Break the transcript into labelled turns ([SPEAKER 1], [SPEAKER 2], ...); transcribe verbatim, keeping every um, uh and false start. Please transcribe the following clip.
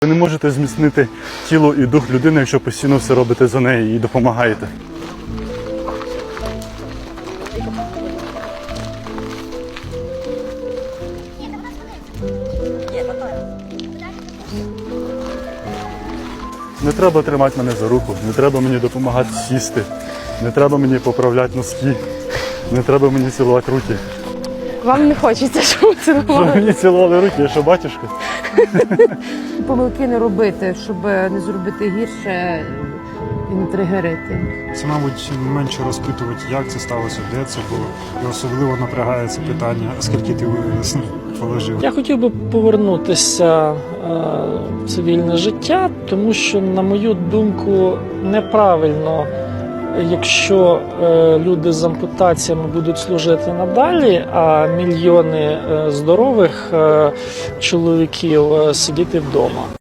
[SPEAKER 1] Ви не можете зміцнити тіло і дух людини, якщо постійно все робите за неї і допомагаєте. Не треба тримати мене за руку, не треба мені допомагати сісти, не треба мені поправляти носки, не треба мені цілувати руки.
[SPEAKER 2] Вам не хочеться, щоб ви
[SPEAKER 1] Щоб
[SPEAKER 2] цілували?
[SPEAKER 1] мені цілували руки, я що, батюшка?
[SPEAKER 2] Помилки не робити, щоб не зробити гірше і не тригерити.
[SPEAKER 3] Це, мабуть, менше розпитувати, як це сталося, де це було. І особливо напрягається питання, скільки ти положив.
[SPEAKER 4] Я хотів би повернутися е, в цивільне життя, тому що, на мою думку, неправильно, якщо е, люди з ампутаціями будуть служити надалі, а мільйони е, здорових е, чоловіків е, сидіти вдома.